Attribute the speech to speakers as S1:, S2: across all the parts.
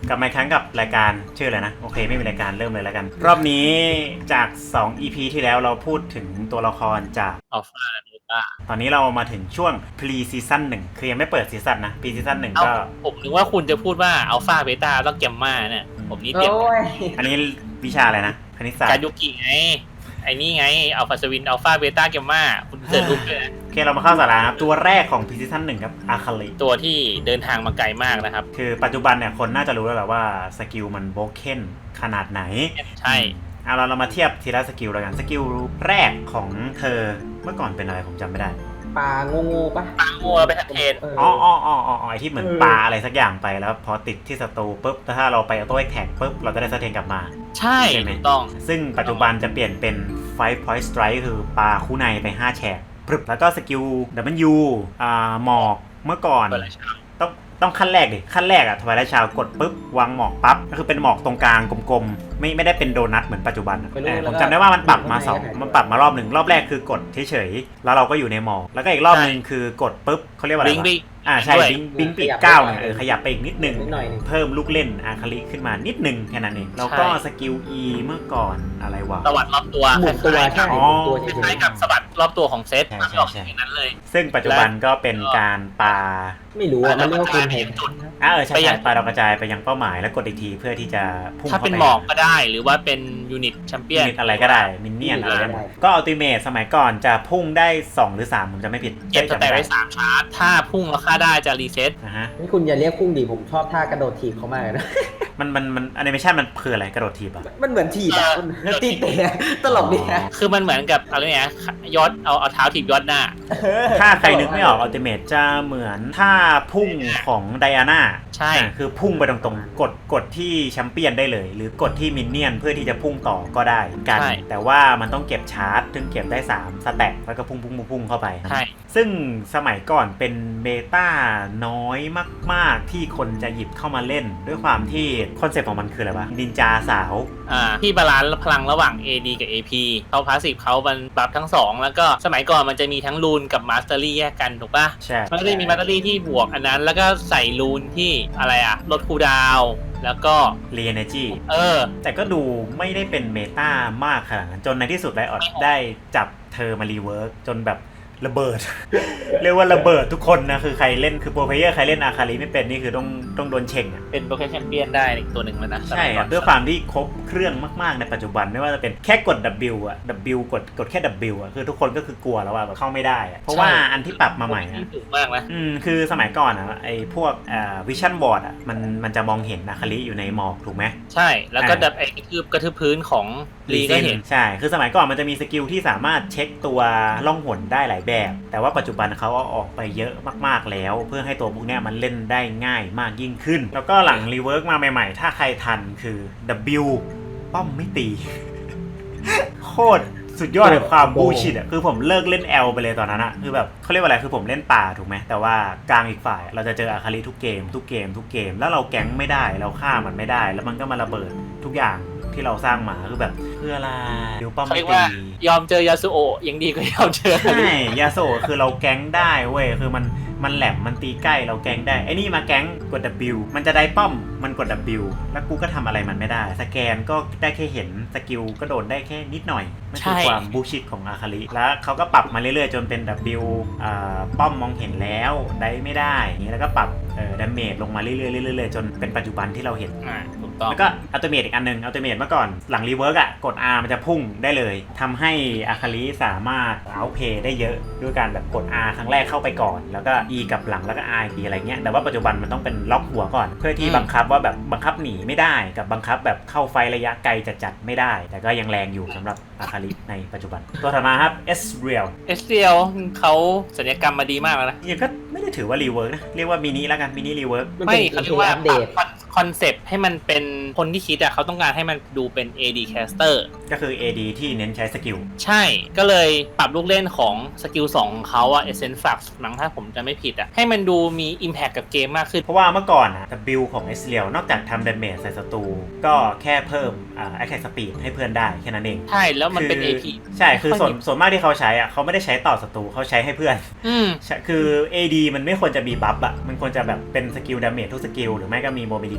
S1: กลับมาอีกครั้งกับรายการชื่ออะไรนะโอเคไม่มีรายการเริ่มเลยแล้วกันรอบนี้จาก2 EP ที่แล้วเราพูดถึงตัวละครจาก
S2: Alpha และ Beta
S1: ตอนนี้เรามาถึงช่วง Pre Season 1คือยังไม่เปิดซีซั่นนะ Pre Season 1ก็
S2: ผมนึกว่าคุณจะพูดว่า Alpha Beta แล้วแกมมาเนี่ยผมนี่เตรียม
S1: อันนี้วิชาอะไรนะคณิตศาสต
S2: การ
S1: ร์
S2: ยุกิไงไอ้นี่ไง Alpha Swin Alpha Beta แกมมาคุณเสิร์ชรูปด้วยนะ
S1: โอเคเรามาเข้าสาระครับตัวแรกของ Pre Season 1ครับอาคาลิ
S2: ตัวที่เดินทางมาไกลมากนะครับ
S1: คือปัจจุบันเนี่ยคนน่าจะรู้แล้วแหละว่าสกิลมันโบเคนขนาดไหน
S2: ใช่
S1: เอาเรามาเทียบทีละสกิลแล้วกันสกิลแรกของเธอเมื่อก่อนเป็นอะไรผมจำไม่ได้
S3: ปลางูปะ
S2: ปางงัวไปทัดเทน
S1: ไอที่เหมือนปลาอะไรสักอย่างไปแล้วพอติดที่ศัตรูปุ๊บถ้าเราไปออโต้แท็กปุ๊บเราจะได้สเตนกลับมา
S2: ใช่
S1: ใช่ไหม
S2: ถูกต้อง
S1: ซึ่งปัจจุบันจะเปลี่ยนเป็น Five Point Strike คือปลาคู่ในไป5แฉกปรึบแล้วก็สกิล W หมอกเมื่อก่อน
S2: เปิดอะไรชา
S1: ต้องขั้นแรกดิขั้นแรกอะทวายไลท์ชาวกดปุ๊บวางหมอกปั๊บก็คือเป็นหมอกตรงกลางกลมๆไม่ได้เป็นโดนัทเหมือนปัจจุบันอะผมจำได้ว่ามันปรับมามันปรับมารอบหนึ่งรอบแรกคือกดเฉยๆแล้วเราก็อยู่ในหมอกแล้วก็อีกรอบหนึ่งคือกดปุ๊บเขาเรียกว่าอะไร
S2: บิง
S1: วะ
S2: บิง
S1: ใช่
S2: ด้วย
S1: บิงปีกก้าวเนี่ยขยับไปอีกนิดนึง
S3: นิดหน่อยหนึ่ง
S1: เพิ่มลูกเล่นอาคาลิขึ้นมานิดนึงแค่นั้นเองแล้วก็สกิล E เมื่อก่อนอะไรวะ
S2: สวัสดรอบตัว
S3: หมุนตัว
S2: ค
S3: ใช่
S2: ล้าย
S3: หมุนตัว
S2: ๆ
S3: เฉ
S2: คล้าย
S3: ย
S2: ๆกับสวัสดรอบตัวของเซต
S1: ใช่
S2: มันไม่ออกอย่างนั้นเลย
S1: ซึ่งปัจจุบันก็เป็นการปา
S3: ๆไม่รู้อ่ะมันเรียกว่าคุณเห็น
S1: ใช่ปาดาวกระจายไปยังเป้าหมายแล้วกดอีกทีเพื่อที่จะพุ่ง
S2: ถ้า
S1: เข้า
S2: เป็น
S1: ไป
S2: หมอกก็ได้หรือว่าเป็นยูนิตแชมเปี้ยน
S1: มิดอะไรก็ได้มินเนี่ยนอะไรได้หมดก็อัลติเมทสมัยก่อนจะพุ่งได้2หรือ3ผมจะไม่ผิด
S2: เก็บสแต็กได้3ชาร์จถ้าพุ่งแล้วค่าได้จะรีเซ็ต
S1: นะฮะ
S3: นี่คุณอย่าเรียกพุ่งดิผมชอบท่ากระโดดถีบเขามากเลยนะ
S1: มันแอนิเมชันมันคืออะไรกระโดดทีบอ่ะ
S3: มันเหมือนถีบอ่ะมันตีเตะตลกดีนะ
S2: คือมันเหมือนกับอะไรเนี่ยยอดเอาเท้าถีบยอดหน้า
S1: ถ้าใครนึกไม่ออกอัลติเมทจะเหมือนท่าพุ่งของไดอาน่า
S2: ใช่
S1: คือพุ่งไปตรงๆกดที่แชมเปี้ยนได้เลย หรือกดที่มินเนี่ยนเพื่อที่จะพุ่งต่อก็ได้เหมือนกัน แต่ว่ามันต้องเก็บชาร์จถึงเก็บได้3สแต็กแล้วก็พุ่งเข้าไป
S2: ใช่
S1: ซึ่งสมัยก่อนเป็นเบต้าน้อยมากๆที่คนจะหยิบเข้ามาเล่น ด้วยความที่คอนเซ็ปต์ของมันคืออะไรวะนินจาสาว
S2: ที่บาลานซ์พลังระหว่าง AD กับ AP เขาพาสซีฟเขามันปรับทั้ง 2 แล้วก็สมัยก่อนมันจะมีทั้งรูนกับมาสเตอรี่แยกกันถูกปะ
S1: ใช่
S2: มันก็จะมีมาสเตอรี่ที่บวกอันนั้น แล้วก็ใส่รูนที่อะไรอะลดคูลดาวน์แล้วก็
S1: รีเอเนจี แต่ก็ดูไม่ได้เป็นเมตามากขนาดนั้นจนในที่สุดไลออดได้จับเธอมารีเวิร์กจนแบบระเบิด เรียกว่าระเบิดทุกคนนะคือใครเล่นคือโปรเพลเยอร์ใครเล่นอาคาริไม่เป็นนี่คือต้องโดนเช่งอ่ะ
S2: เป็นโปรแกรมแชมเปี้ยนได้อีกตัวหนึ่งแล้วนะ
S1: ใช่ครับด้วยความที่ครบเครื่องมากๆในปัจจุบันไม่ว่าจะเป็นแค่กด W อ่ะ W กดแค่ W อ่ะคือทุกคนก็คือกลัวแล้วว่าแบบเข้าไม่ได้อะเพราะว่าอันที่ปรับมาใหม่อ่ะ
S2: ถูกมากนะ
S1: คือสมัยก่อนอ่ะไอ้พวกวิชั่นบอร์ดอ่ะมันจะมองเห็นอาคาริอยู่ในหมอกถูกไหม
S2: ใช่แล้วก็ดับไอ้กระทืบพื้นของลีก็เห็น
S1: ใช่คือสมัยก่อนมันจะมีสกิลที่สามารถเช็คตัวล่องหนได้หลายแบบ แต่ว่าปัจจุบันเขาเอาออกไปเยอะมากๆแล้ว เพื่อให้ตัวพวกเนี้ยมันเล่นได้ง่ายมากยิ่งขึ้น แล้วก็หลังรีเวิร์กมาใหม่ๆ ถ้าใครทันคือ W ป้อมไม่ตี โคตรสุดยอดเลยความบูชิดอ่ะคือผมเลิกเล่น L ไปเลยตอนนั้นอ่ะคือแบบเขาเรียกว่าอะไรคือผมเล่นป่าถูกไหมแต่ว่ากลางอีกฝ่ายเราจะเจออาคาริทุกเกมแล้วเราแก๊งไม่ได้เราฆ่ามันไม่ได้ แล้วมันก็มาระเบิดทุกอย่างที่เราสร้างมาคือแบบเพื่ออะไรเดี๋ยวป้อม
S2: เขา
S1: ไม่
S2: เรียก
S1: ตี
S2: ว่ายอมเจอยาสุโอะยังดีกว่ายอมเจอ
S1: ใช่ยาโซคือเราแก๊งได้เว้ยคือมันแหลมมันตีใกล้เราแก๊งได้ไอ้นี่มาแก๊งกด W มันจะได้ป้อมมันกด W แล้วกูก็ทำอะไรมันไม่ได้สแกนก็ได้แค่เห็นสกิลก็โดนได้แค่นิดหน่อยนั่นคือความบูชิดของอาคาริแล้วเขาก็ปรับมาเรื่อยๆ จนเป็น W ป้อมมองเห็นแล้วได้ไม่ได้อย่างนี้แล้วก็ปรับดาเมจลงมาเรื่อยๆจนเป็นปัจจุบันที่เราเห็น
S2: ถูกต้อง
S1: แล้วก็อัลติเมทอีกอันนึงอัลติเมทเมื่อก่อนหลังรีเวิร์กอ่ะกด R มันจะพุ่งได้เลยทำให้อาคาริสามารถเอาเพย์ได้เยอะด้วยการแบบกด R ครั้งแรกเข้าไปก่อนแล้วก็ E กับหลังแล้วก็ R อีกทีอะไรเงี้ยแต่ว่าปัจจุบันมันต้องเป็นล็อกหัวก่อนเพื่อที่บังคับว่าแบบบังคับหนีไม่ได้กับบังคับแบบเข้าไฟระยะไกลจัดไม่ได้ แต่ก็ยังแรงอยู่สำหรับอาคาริในปัจจุบันตัวถัดมาครับ Ezreal
S2: เอสเรียลเขาศัลยกรรมมาดีมากแล้วนะ
S1: ยังก็ไม่ได้ถือว่ารีเวิร์กนะเรียกว่ามินิแล้วกันมินิรีเวิร์ก
S2: ไม่เขาเรียกว่า
S3: อัปเดต
S2: คอนเซปต์ให้มันเป็นคนที่คิดอะเขาต้องการให้มันดูเป็น AD caster
S1: ก็คือ AD ที่เน้นใช้สกิล
S2: ใช่ก็เลยปรับลูกเล่นของสกิล2ของเขาอะ Essence Flux มั้งถ้าผมจะไม่ผิดอะให้มันดูมี Impact กับเกมมากขึ้น
S1: เพราะว่าเมื่อก่อนอะ W ของ Ezreal นอกจากทำ damage ใส่ศัตรูก็แค่เพิ่มattack speed ให้เพื่อนได้แค่นั้นเอง
S2: ใช่แล้วมันเป็น
S1: คือ
S2: AP
S1: ใช่คือส่วนมากที่เขาใช้อะเขาไม่ได้ใช้ต่อศัตรูเขาใช้ให้เพื่อน ใช่คือ AD มันไม่ควรจะมีบัฟอะมันควรจะแบบเป็นสกิล damage ทุกสกิลหรือไม่ก็มี mobility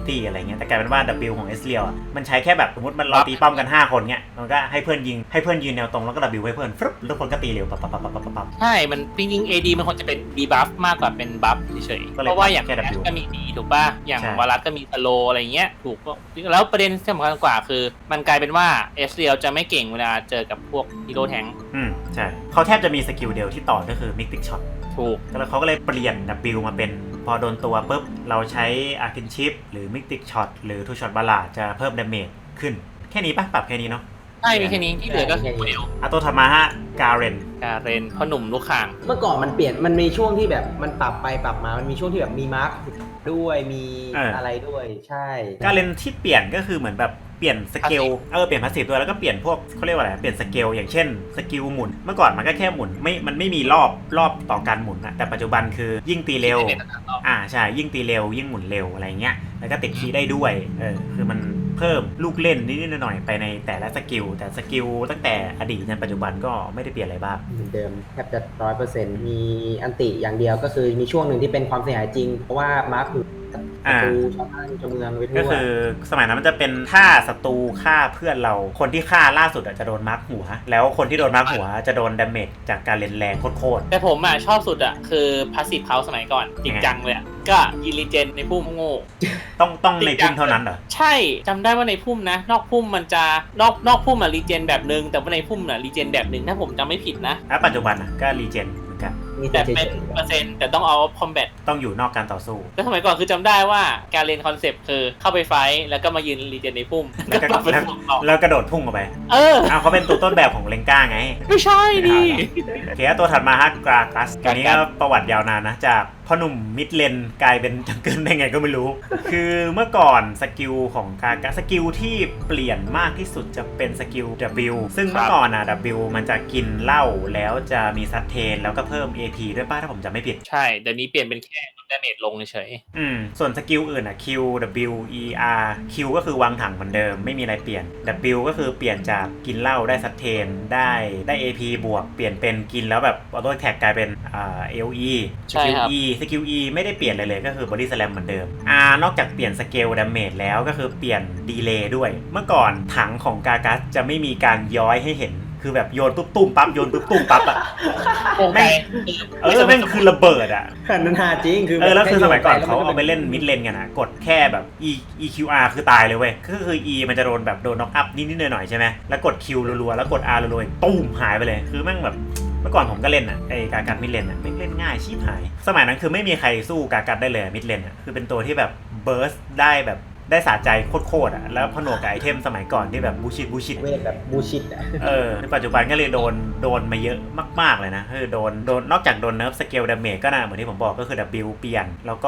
S1: ability อะไรเงี้ยแต่กลายเป็นว่า W ของ S เรียวมันใช้แค่แบบสมมติมันเราตีป้อมกัน5คนเงี้ยมันก็ให้เพื่อนยิงให้เพื่อนยืนแนวตรงแล้วก็ W ให้เพื่อนฟึบแล้วคนก็ตีเร็วปั๊บ
S2: ใช่มันจริงๆ AD มันควรจะเป็น debuff มากกว่าเป็น buff เฉยๆเพราะว่าอย่างแคทก็มีดีถูกป่ะอย่างวารัสก็มีสโลอะไรเงี้ยถูกแล้วประเด็นที่สำคัญกว่าคือมันกลายเป็นว่า S เรียวจะไม่เก่งเวลาเจอกับพวกฮีโร่แทง
S1: ใช่เขาแทบจะมีสกิลเดียวที่ต่อก็คือ Mystic Shot
S2: ถูก
S1: แล้วเขาก็เลยเปลี่ยน W มาเป็นพอโดนตัวปุ๊บเราใช้ Arkin Chip หรือ Mystic Shot หรือ Two Shot Ballad จะเพิ่ม damage ขึ้นแค่นี้ปะปรับแค่นี้เนาะ
S2: ใช่มีแค่นี้ที่เหลือก็คือเดียว
S1: ตัวถัดมาฮะการน
S2: พ่อหนุ่มลูกข่าง
S3: เมื่อก่อนมันเปลี่ยนมันมีช่วงที่แบบมันปรับไปปรับมามันมีช่วงที่แบบมีมาร์คด้วยมีอะไรด้วยใช่
S1: การนที่เปลี่ยนก็คือเหมือนแบบเปลี่ยนสเกลเปลี่ยนพาสซีฟด้วยแล้วก็เปลี่ยนพวกเขาเรียกว่าอะไรเปลี่ยนสเกลอย่างเช่นสกิลหมุนเมื่อก่อนมันก็แค่หมุนมันไม่มีรอบต่อการหมุนนะแต่ปัจจุบันคือยิ่งตีเร็วใช่ยิ่งตีเร็วยิ่งหมุนเร็วอะไรเงี้ยแล้วก็ติดคีย์ได้ด้วยคือมันเพิ่มลูกเล่นนิดหน่อยไปในแต่ละสกิลแต่สกิลตั้งแต่อดีตจนปัจจุบันก็ไม่ได้เปลี่ยนอะไรบ้าง
S3: เหมือนเดิมแทบจะ 100% มีอันติอย่างเดียวก็คือมีช่วงหนึ่งที่เป็นความเสียหายจริงเพราะว่ามาร์คศัตรูชาวบ้านชาวเมืองไปทั่ว
S1: ก็คือสมัยนั้นมันจะเป็นถ้าศัตรูฆ่าเพื่อนเราคนที่ฆ่าล่าสุดจะโดนมาร์คหัวแล้วคนที่โดนมาร์คหัวจะโดนดาเมจจากการเล่นแรงโคตร
S2: แต่ผมชอบสุดคือพาสซีฟเขาสมัยก่อนจริงจังเลยก็ยินรีเจนในพุ่มโง่
S1: ต้องในพุ่มเท่านั้นเหรอ
S2: ใช่จำได้ว่าในพุ่มนะนอกพุ่มมันจะนอกพุ่มรีเจนแบบนึงแต่ว่าในพุ่มรีเจนแบบนึงถ้าผมจำไม่ผิดนะ
S1: ปัจจุบันก็รีเจน
S2: แต่เป็นเปอร์เซ็นต์แต่ต้องเอาคอมแบท
S1: ต้องอยู่นอกการต่อสู้
S2: แล้วสมัยก่อนคือจำได้ว่าการเล่นคอนเซปต์คือเข้าไปไฟแล้วก็มายืนรีเจนในพุ่ม
S1: แล้วกระโดดพุ่งออกไปเขาเป็นตัวต้นแบบของเลงก้าไง
S2: ไม่ใช่ดิ
S1: โอเคตัวถัดมาฮะกรากัสอันนี้ก็ประวัติยาวนานนะจากพ่อหนุ่มมิดเลนกลายเป็นจังเกิลได้ไงก็ไม่รู้คือเมื่อก่อนสกิลของกากัสสกิลที่เปลี่ยนมากที่สุดจะเป็นสกิล W ซึ่งเมื่อก่อนW มันจะกินเหล้าแล้วจะมีซัดเทนแล้วก็เพิ่ม AP ด้วยป้าถ้าผมจำไม่ผิด
S2: ใช่เดี๋ยวนี้เปลี่ยนเป็นแค่ดาเมจลงเฉย
S1: ส่วนสกิลอื่นQ W E R Q ก็คือวางถังเหมือนเดิมไม่มีอะไรเปลี่ยน W ก็คือเปลี่ยนจากกินเหล้าได้ซัดเทนได้ AP บวกเปลี่ยนเป็นกินแล้วแบบออโต้แท็กกลายเป็นAOE
S2: สกิล
S1: E ไม่ได้เปลี่ยนเลยก็คือ Body Slam เหมือนเดิมนอกจากเปลี่ยนสเกลดาเมจแล้วก็คือเปลี่ยนดีเลย์ด้วยเมื่อก่อนถังของกากัสจะไม่มีการย้อยให้เห็นคือแบบโยนปุ๊บตุ้มปั๊บโยนปุ๊บตุ้มปั๊บแม่งคือระเบิด
S3: นั่นหาจริงคือ
S1: แล้วคือสมัยก่อนเขาเอาไปเล่นมิดเลนกันกดแค่แบบ EQR คือตายเลยเว้ยก็คือ E มันจะโดนแบบโดนน็อกอัพนิดๆหน่อยๆใช่ไหมแล้วกด Q รัวๆแล้วกด R รัวๆตุ้มหายไปเลยคือแม่งแบบเมื่อก่อนผมก็เล่นไอ้กากัดมิดเลนไม่เล่นง่ายชิบหายสมัยนั้นคือไม่มีใครสู้กากัดได้เลยมิดเลนคือเป็นตัวที่แบบเบิร์สได้แบบได้สะใจโคตรแล้วผนวกกับไอเทมสมัยก่อนที่แบบบูชิด
S3: เวทแบบบูชิด
S1: ในปัจจุบันก็เลยโดนมาเยอะมากๆเลยนะคือโดนนอกจากโดนเนิร์ฟสเกลดาเมจก็นะเหมือนที่ผมบอกก็คือ W เปลี่ยนแล้วก็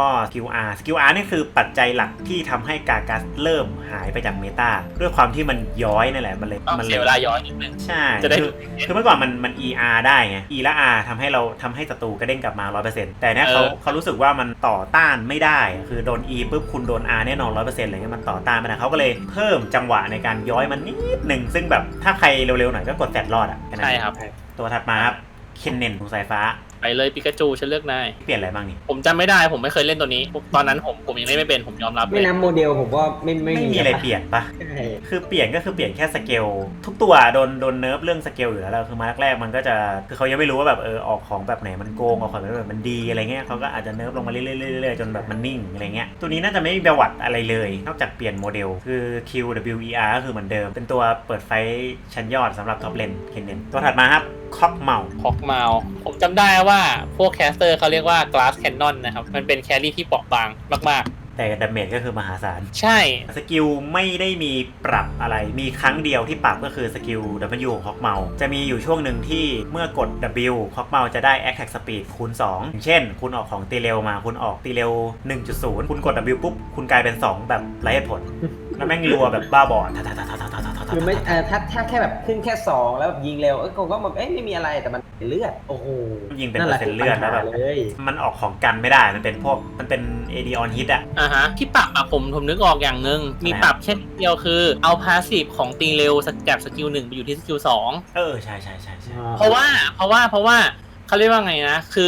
S1: QR นี่คือปัจจัยหลักที่ทำให้กากัสเริ่มหายไปจากเมตาด้วยความที่มันย้อยนั่นแหละมันเลย
S2: เสียเวลาย้อยนิดนึง
S1: ใช่คือเมื่อก่อนมัน ER ได้ไง E และ R ทำให้ศัตรูกระเด้งกลับมา 100% แต่เนี้ยเขารู้สึกว่ามันต่อต้านไม่ได้คือโดน E ปุ๊บคุณโดน R แน่นอน 100% อะไรเงี้ยมันต่อต้านไม่ได้เขาก็เลยเพิ่มจังหวะในการย้อยมันนิดนึงซึ่งแบบถ้าใครเร็วๆหน่อยก็กดแฟลชรอด
S2: ใช่ครับ
S1: ตัวถัดมาครับเคนเนนของสายฟ้า
S2: ไปเลยปิกาจูฉันเลือกนาย
S1: เปลี่ยนอะไรบ้างนี่
S2: ผมจำไม่ได้ผมไม่เคยเล่นตัวนี้ตอนนั้นผมยังเล่นไม่เป็นผมยอมรับ
S3: ไม่นับโมเดลผมว่าไม่
S1: มีอะไรเปลี่ยนปะคือเปลี่ยนก็คือเปลี่ยนแค่สเกลทุกตัวโดนเนิร์ฟเรื่องสเกลอยู่แล้วคือมาแรกมันก็จะคือเขายังไม่รู้ว่าแบบออกของแบบไหนมันโกงออกของแบบมันดีอะไรเงี้ยเขาก็อาจจะเนิร์ฟลงมาเรื่อยๆจนแบบมันนิ่งอะไรเงี้ยตัวนี้น่าจะไม่มีประวัติอะไรเลยนอกจากเปลี่ยนโมเดลคือ QWER ก็คือเหมือนเดิมเป็นตัวเปิดไฟชั้นยอดสำหรับท็อปเลนเคนเนนตัวถัดมาครับคอกเมา
S2: ผมจำได้ว่าพวกแคสเตอร์เขาเรียกว่า Glass Cannon นะครับมันเป็นแครี่ที่เปราะบางมากๆ
S1: แต่ดาเมจก็คือมหาศาล
S2: ใช่
S1: สกิลไม่ได้มีปรับอะไรมีครั้งเดียวที่ปรับก็คือสกิล W ของคอกเมาจะมีอยู่ช่วงหนึ่งที่เมื่อกด W คอกเมาจะได้ Attack Speed คูณ 2อย่างเช่นคุณออกของตีเร็วมาคุณออกตีเร็ว 1.0 คุณกด W ปุ๊บคุณกลายเป็น2แบบไร้เหตุผลแล้วแม่งรัวแบบบ้าบอ
S3: คือไม่ถ้าแค่แบบขึ้นแค่2แล้วยิงเร็วก็แบบไม่มีอะไรแต่มันเลือดโอ้โห
S1: ยิงเป็นเปอร์เซ็นต์เลือดแล้วแบบมันออกของกันไม่ได้มันเป็น AD on hit
S2: ที่ปรับผมนึกออกอย่างนึงมีปรับแค่เดียวคือเอาพาสซีฟของตีเร็วจากสกิล1ไปอยู่ที่สกิล2
S1: ใช่
S2: เพราะว่าเขาเรียกว่าไงนะคือ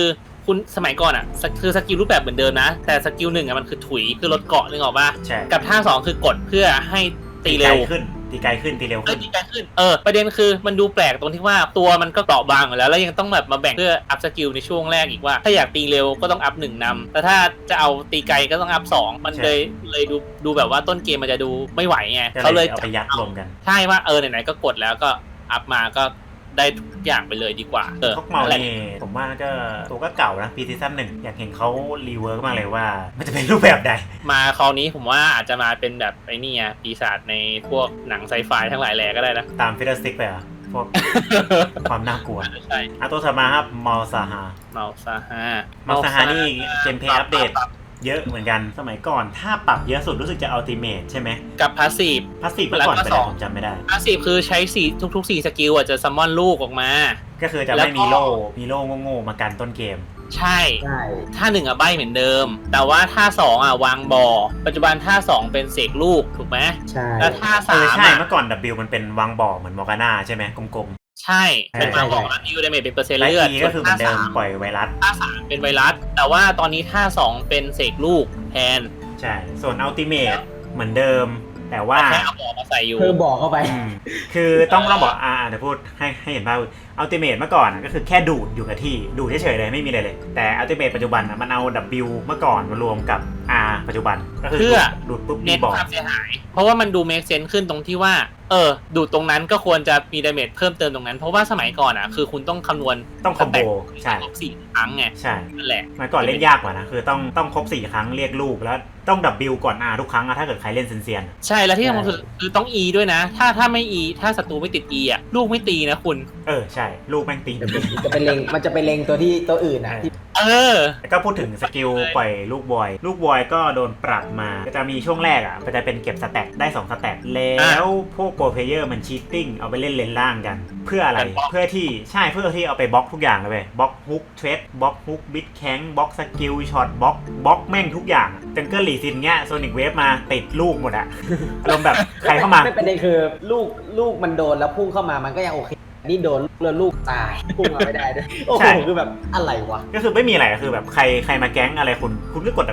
S2: คุณสมัยก่อนอ่ะคือสกิลรูปแบบเหมือนเดิมนะแต่สกิลหนึ่งอ่ะมันคือถุยคือลดเกาะนึกออกป่ะ
S1: ใช่
S2: กับท่าสองคือกดเพื่อให้ตีเร็ว
S1: ตีไกลขึ้นตีเร็วขึ้น
S2: ตีไกลขึ้นประเด็นคือมันดูแปลกตรงที่ว่าตัวมันก็เกราะบางอยู่แล้วยังต้องแบบมาแบ่งเพื่ออัพสกิลในช่วงแรกอีกว่าถ้าอยากตีเร็วก็ต้องอัพ1นำแต่ถ้าจะเอาตีไกลก็ต้องอัพ2มันเลยดูแบบว่าต้นเกมมันจะดูไม่ไหวไงเขาเลย
S1: เอาไปยัดรวมกัน
S2: ใช่ว่าไหนๆก็กดแล้วก็อัพมาก็ได้ทุกอย่างไปเลยดีกว่า
S1: พวกเมานี่ผมว่าก็ตัวก็เก่านะปีซีซั่น1อยากเห็นเขารีเวิร์กมากเลยว่ามันจะเป็นรูปแบบใด
S2: มาคราวนี้ผมว่าอาจจะมาเป็นแบบไอ้นี่ปีศาจในพวกหนังไซไฟทั้งหลายแหล่ก็ได้นะ
S1: ตามฟิลสติกไปอ่ะพวก ความน่ากลัว
S2: ใช่
S1: ตัวถัดมาครับมอลซาฮานี่เกมเพลย์อัปเดตเยอะเหมือนกันสมัยก่อนถ้าปรับเยอะสุดรู้สึกจะอัลติเมทใช่ไหม
S2: กับพาสซีฟ
S1: เมื่อก่อนเป็นอะไรผมจำไม่ได้
S2: พาสซีฟคือใช้ทุก4สกิลจะซัมมอนลูกออกมา
S1: ก็คือจะไม่มีโล่โง่ๆมากันต้นเกม
S2: ใช่ท่า1ใบเหมือนเดิมแต่ว่าท่า2วางบ่อปัจจุบันท่า2เป็นเสกลูกถูกไหม
S3: ใช่
S2: แล้วท่า3
S1: ใช่เมื่อก่อน W มันเป็นวางบ่อเหมือนมอร์กาน่าใช่ไหมกลม
S2: ใช่เป็นวางบ่อแล้วนิวดาเมจเป็นเปอร์เซ็นต์เลือด
S1: ก็คือเหมือนเดิมปล่อยไวรัส
S2: ท่า3เป็นไวรัสแต่ว่าตอนนี้ท่า2เป็นเสกลูกแทน
S1: ใช่ส่วนอัลติเมทเหมือนเดิมแต่ว่า
S2: แค่เอาบ่อมาใส่อยู่
S3: คือบ่อเข้าไป
S1: คือต้องบอกเดี๋ยวพูดให้เห็นภาพอัลติเมทเมื่อก่อนก็คือแค่ดูดอยู่กับที่ดูดเฉยๆเลยไม่มีอะไรเลยแต่อัลติเมทปัจจุบันมันเอา W เมื่อก่อนมารวมกับ R ปัจจุบันก็คือดูดปุ๊บมีบ่อ
S2: ความเสียหายเพราะว่ามันดูเมคเซนส์ขึ้นตรงที่ว่าดูดตรงนั้นก็ควรจะมีดาเมจเพิ่มเติมตรงนั้นเพราะว่าสมัยก่อนคือคุณต้องคำนวณ
S1: ต้องคอมโบใช่
S2: ครบ4 ครั้งไง
S1: ใช่
S2: นั่นแหละ
S1: เมื่อก่อนเล่นยากกว่านะคือต้องครบ4 ครั้งเรียกลูกแล้วต้อง W ก่อน R ทุกครั้งถ้าเกิดใครเล่นเซียน
S2: ใช่แล้วที่สำคัญคือต้อง E ด้วยนะถ้าไม่ E ถ้าศัตรูไม่ติด E ลูกไม่ตีนะคุณ
S1: ใช่ลูกแม่งตี
S3: มันจะไปเล็งตัวอื่นนะ
S1: ก็พูดถึงสกิลปล่อยลูกบอยก็โดนปรับมาก็จะมีช่วงแรกมันจะเป็นเก็บสแต็กได้2สแต็กแล้วพวกโปรเพลเยอร์มันชีตติ้งเอาไปเล่นเลนล่างกันเพื่ออะไรเพื่อที่เอาไปบล็อกทุกอย่างเลยบล็อกฮุกเทรดบล็อกฮุกบิดแข้งบล็อกสกิลช็อตบล็อกแม่งทุกอย่างจังเกิลลีซินเงี้ยโซนิกเวฟมาติดลูกหมดอะอารมณ์แบบใครเข้ามา
S3: ไม่เป็นไรคือลูกมันโดนแล้วพุ่งเข้ามามันก็ยังโอเคนี่โดนแล้วลูกตายพุ่งมาไม่ได้ด้วยโอ้โหคือแบบอะไรวะ
S1: ก็คือไม่มีอะไรคือแบบใครมาแก๊งอะไรคุณก็กด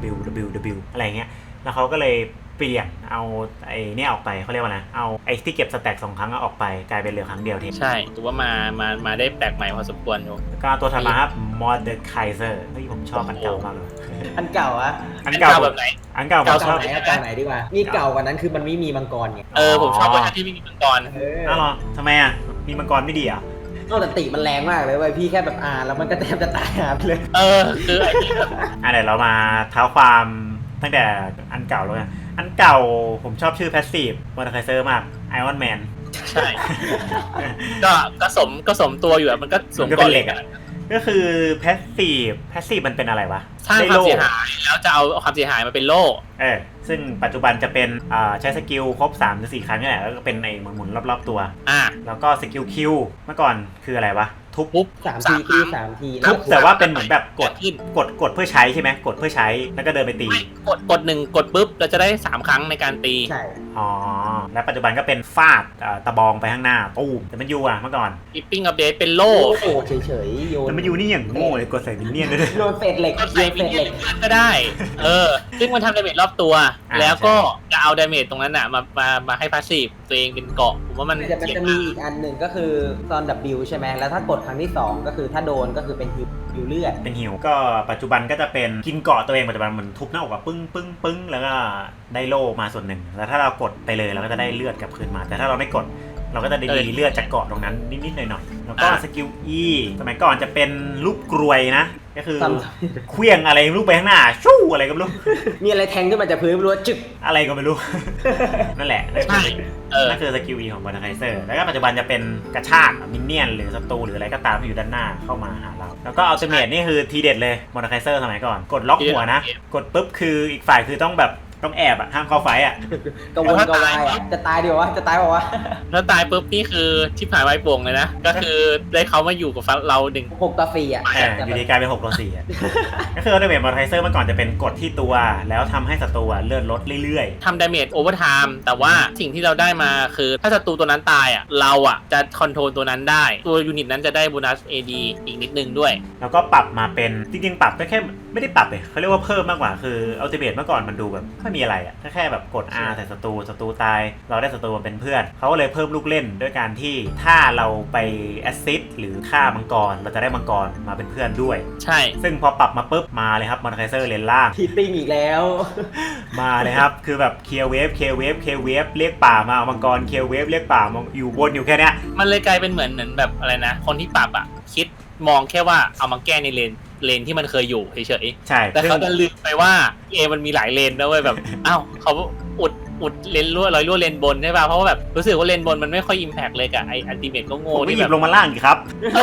S1: W อะไรเงี้ยแล้วเขาก็เลยเปลี่ยนเอาไอ้นี่ออกไปเขาเรียกว่านะเอาไอ้ที่เก็บสแต็ก2 ครั้งออกไปกลายเป็นเหลือครั้งเดียวที
S2: ใช่ถือว่ามาได้แปลกใหม่พอสมควรอยู่
S1: ก็ตัวถัดมาครับมอร์เดอร์ไคเซอร์ที่ผมชอบอันเก่ามากเลย
S3: อันเก่า
S2: อันเก่าแบบไหน
S1: อันเก่าผมชอบ
S3: เก่าไหนดีกว่ามีเก่ากว่านั้นคือมันไม่มีมังกรไง
S2: ผมชอบเวอร์ชันที่ไม่มีมังกร
S1: อ้าวทำไมมีมังกรไม่ดีอ่ะ
S3: แต่ติมันแรงมากเลยเว้ยพี่แค่แบบแล้วมันก็แทบจะตายไปเลย
S2: คือไอ้นี่แบบ
S1: เดี๋ยวเรามาเท้าความตั้งแต่อันเก่าแล้วกันอันเก่าผมชอบชื่อแพสซีฟมอร์ไคเซอร์มากไอออนแมน
S2: ใช่ก็สมตัวอยู่มันก็สวม
S1: ก้อนเหล็กก็คือแพสซีฟมันเป็นอะไรวะ
S2: สร้างความเสียหายแล้วจะเอาความเสียหายมาเป็นโล่
S1: ซึ่งปัจจุบันจะเป็นใช้สกิลครบ 3-4 ครั้งนี่แหละแล้วก็เป็นไอ้หมุนรอบๆตัวแล้วก็สกิลคิวเมื่อก่อนคืออะไรวะ
S3: ทุบ3 ที
S1: ทุบแต่ว่าเป็นเหมือนแบบกดเพื่อใช้ใช่ไหมกดเพื่อใช้แล้วก็เดินไปตี
S2: กด1กดปุ๊บเราจะได้3 ครั้งในการตี
S3: ใช่
S1: และปัจจุบันก็เป็นฟาดตะบองไปข้างหน้าตูมแต่มันยูเมื่อก่อน
S2: กิปปิ้งอัปเดตเป็นโล่
S3: เฉยๆโยน
S1: แต่มันยูนี่อย่างโง่เลยกดใส่มินเนี่ยนเลย
S3: โยนเศษเหล็ก
S2: ก็ได้ซึ่งมันทำดาเมจรอบตัวแล้วก็จะเอาดาเมจตรงนั้นมาให้พาสซีฟตัวเองเป็นเกาะผมว่ามัน
S3: จะมีอีกอันหนึ่งก็คือตอน W ใช่ไหมแล้วถ้ากดครั้งที่2ก็คือถ้าโดนก็คือเป็นฮิวเลือด
S1: เป็นฮิวก็ปัจจุบันก็จะเป็นกินเกาะตัวเองปัจจุบันเหมือนทุบหน้าอกปึ้งแล้วก็ได้โล่มาส่วนหนึ่งแล้วถ้าเรากดไปเลยเราก็จะได้เลือดกลับคืนมาแต่ถ้าเราไม่กดเราก็จะได้เลือดจากเกาะตรงนั้นนิดๆหน่อยๆแล้วก็สกิล E สมัยก่อนจะเป็นลูกกรวยนะก็คือเคลื่องอะไรลูกไปข้างหน้าชู่อะไรก็ไม่รู้
S3: มีอะไรแทงขึ้นมาจากพื้นไม่รู้จึก
S1: อะไรก็ไม่รู้นั่นแหละนั่นคือสกิล E ของมอร์ไคเซอร์แล้วก็ปัจจุบันจะเป็นกระชากมินเนี่ยนหรือศัตรูหรืออะไรก็ตามที่อยู่ด้านหน้าเข้ามาหาเราแล้วก็อัลติเมทนี่คือทีเด็ดเลยมอร์ไคเซอร์สมัยก่อนกดล็อกหัวนะกดปุ๊บคืออีกฝ่ายคือต้องต้องแอบอ่ะห้ามเข้าไฟอ่ะ
S3: กระวนกระวายอะจะตายดีวะจะตายบอกว่า
S2: ถ้าตายปุ๊บนี่คือชิบหายไวโป่งเลยนะ ก็คือได้เขามาอยู่กับเราหนึ่ง
S3: 6-4อ่ะ
S1: อยู่ดีกลายเป็น6-4อ่ะ ก็คืออัลติเมทมอร์ไทเซอร์เมื่อก่อนจะเป็นกดที่ตัวแล้วทำให้ศัตรูเลือดลดเรื่อย
S2: ทำดาเมจโอเวอร์ไทม์แต่ว่าสิ่งที่เราได้มาคือถ้าศัตรูตัวนั้นตายอ่ะเราอ่ะจะคอนโทรลตัวนั้นได้ตัวยูนิตนั้นจะได้โบนัส AD อีกนิดนึงด้วย
S1: ๆแล้วก็ปรับมาเป็นจริงๆปรับก็แค่ไม่ได้ปรับเลยเขาเรียกว่าเพิ่มมากกว่าคืออัลติเมทเมื่อก่อนมันดูแบบไม่มีอะไรอ่ะแค่แบบกด R ใส่ศัตรูตายเราได้ศัตรูมาเป็นเพื่อนเขาก็เลยเพิ่มลูกเล่นด้วยการที่ถ้าเราไปแอสซิสหรือฆ่ามังกรเราจะได้มังกรมาเป็นเพื่อนด้วย
S2: ใช่
S1: ซึ่งพอปรับมาปุ๊บมาเลยครับมอร์ไทเซอร์เลนล่าง
S3: ทีติ้งอีกแล้ว
S1: มาเลยครับ คือแบบเคลียร์เวฟเรียกป่ามาเอามังกรเคลียร์เวฟเรียกป่ามาอยู่บนอยู่แค่เนี้ย
S2: มันเลยกลายเป็นเหมือนแบบอะไรนะคนที่ปรับอ่ะคิดมองแค่ว่าเอามาแก้ในเลนที่มันเคยอยู่เฉย
S1: ใช่
S2: ๆแต่เขาจะลืมไปว่ามันมีหลายเลนนะเว้ยแบบ อ้าวเขาอุดเลนรั่วเลนบนใช่ป่ะเพราะว่าแบบรู้สึกว่าเลนบนมันไม่ค่อยอิมแพกเลยกับไออัลติเมทก็โง่
S1: ผมไม่
S2: ที่
S1: หยิ
S2: แบบ บ
S1: ลงมาล่างอีกครับ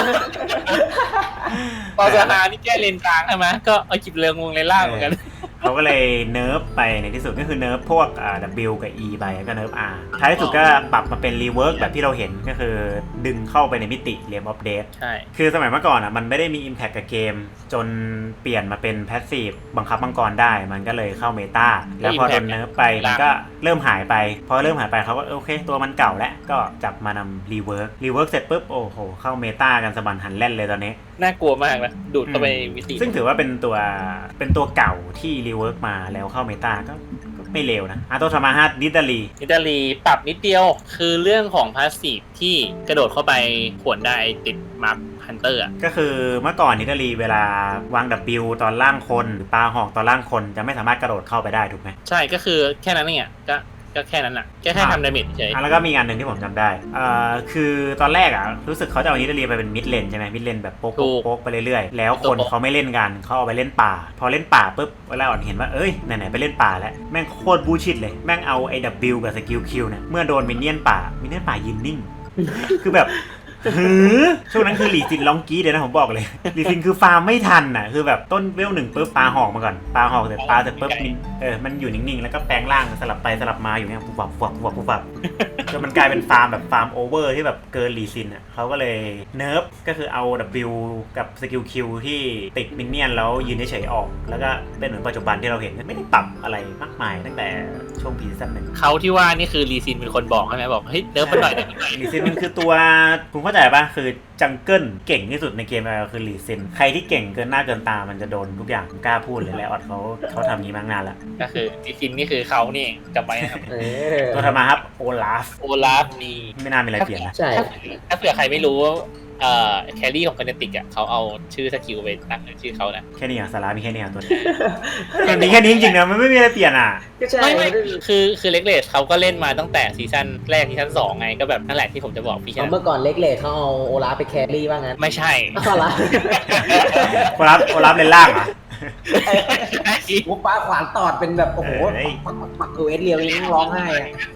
S2: ปอสหานี่แก้เลนกลางใช่ไหมก็เอาจิบเรืองวงเลนล่างเหมือนกัน
S1: เขาก็เลยเนิร์ฟไปในที่สุดก็คือเนิร์ฟพวกW กับ E ไปก็เนิร์ฟ R ท้ายที่สุดก็ปรับมาเป็นรีเวิร์กแบบที่เราเห็นก็คือดึงเข้าไปในมิติเรียมออฟเดต
S2: ใช่
S1: คือสมัยเมื่อก่อนมันไม่ได้มี Impact กับเกม จนเปลี่ยนมาเป็นแพสซีฟบังคับมังกรได้มันก็เลยเข้าเมตาแล้วพอโดนเนิร์ฟไปมันก็เริ่มหายไปพอเริ่มหายไปเขาก็โอเคตัวมันเก่าแล้วก็จับมานำรีเวิร์กเสร็จปุ๊บโอ้โหเข้าเมตากันสะบันหันแล่นเลยตอนนี้
S2: น่ากลัวมากนะดูดเข้าไปมิติ
S1: ซึ่งถือว่าเป็นตัวเก่าที่รีเวิร์กมาแล้วเข้าเมตาก็ไม่เลวนะอาโตทามาฮัตดิดาลี
S2: อิตาลีปรับนิดเดียวคือเรื่องของพาสซีฟที่กระโดดเข้าไปขวนได้ติดมาร์คฮันเตอร์อ่ะ
S1: ก็คือเมื่อก่อนดิดาลีเวลาวาง W ตอนล่างคนหรือปลาหอกตอนล่างคนจะไม่สามารถกระโดดเข้าไปได้ถูกไหม
S2: ใช่ก็คือแค่นั้นเองก็แค่นั้นอ่ะแค่ทำดาเมจเฉย
S1: แล้วก็มีงานหนึ่งที่ผมจำได้คือตอนแรกรู้สึกเขาจะเอาดิดาลีไปเป็นมิดเลนใช่ไหมมิดเลนแบบโป๊กไปเรื่อยๆแล้วคนเขาไม่เล่นกันเขาเอาไปเล่นป่าพอเล่นป่าปุ๊บเวลาอ่อนเห็นว่าเอ้ยไหนๆไปเล่นป่าแล้วแม่งโคตรบูชิดเลยแม่งเอาไอ้ W กับสกิล Q เนี่ยเมื่อโดนมินเนี่ยนป่ายืนนิ่ง คือแบบช่วงนั้นคือหลีซินร้องกี้เดี๋ยวนะผมบอกเลยหลีซินคือฟาร์มไม่ทันคือแบบต้นเวลหนึ่งปุ๊บปลาหอกมาก่อนปลาหอกเสร็จปุ๊บมันอยู่นิ่งๆแล้วก็แปลงร่างสลับไปสลับมาอยู่เนี่ยปุ๊บปับจนมันกลายเป็นฟาร์มแบบฟาร์มโอเวอร์ที่แบบเกินหลีซินเขาก็เลยเนิร์ฟก็คือเอา W กับสกิล Q ที่ติดมินเนี่ยนแล้วยืนเฉยๆออกแล้วก็เป็นเหมือนปัจจุบันที่เราเห็นไม่ได้ปรับอะไรมากมายตั้งแต่ช่วงพีซีซั่นหนึ่ง
S2: เขาที่ว่านี่คือรีซินเป็นคนบอกใช่ไหมบอกเฮ้ยเนิร์ฟมันหน่อย
S1: หลีซินมันคือตัวคุณเข้าใจป่ะคือจังเกิลเก่งที่สุดในเกมคือหลีซินใครที่เก่งเกินหน้าเกินตามันจะโดนทุกอย่างผมกล้าพูดเลยแล้วออดเขาทำนี้มานานแล้ว
S2: ก็คือรีซินนี่คือเขานี่เองจำไว้นะครับ
S1: ตัวธรรมาครับโอลาฟ
S2: โอลาฟนี่
S1: ไม่น่ามีอะไรเปลี่ยนนะ
S3: ใช่
S2: ถ้าเผื่อใครไม่รู้แครี่ของคาเนติกเขาเอาชื่อสกิลไปตั้งเป็นชื่อเขานะ
S1: แค่นี้สาระมีแค่นี้ตัวนี้มันมีแค่นี้จริงๆนะมันไม่มีอะไรเปลี่ยน
S3: ก็ใช่
S2: ไม่คือเล็กเลสเขาก็เล่นมาตั้งแต่ซีซั่นแรกซีซั่น2ไงก็แบบนั่นแหละที่ผมจะบอกพี่แค่
S3: เมื่อก่อนเล็กเลเขาเอาโอลาฟไปแครี่ว่างั้น
S2: ไม่ใช่
S3: เอาละ
S1: โอลาฟเลนล่างเหรอ
S3: มุกป้าขวานตอดเป็นแบบโอ้โหปักตัวเอสเรียวยังร้องไห้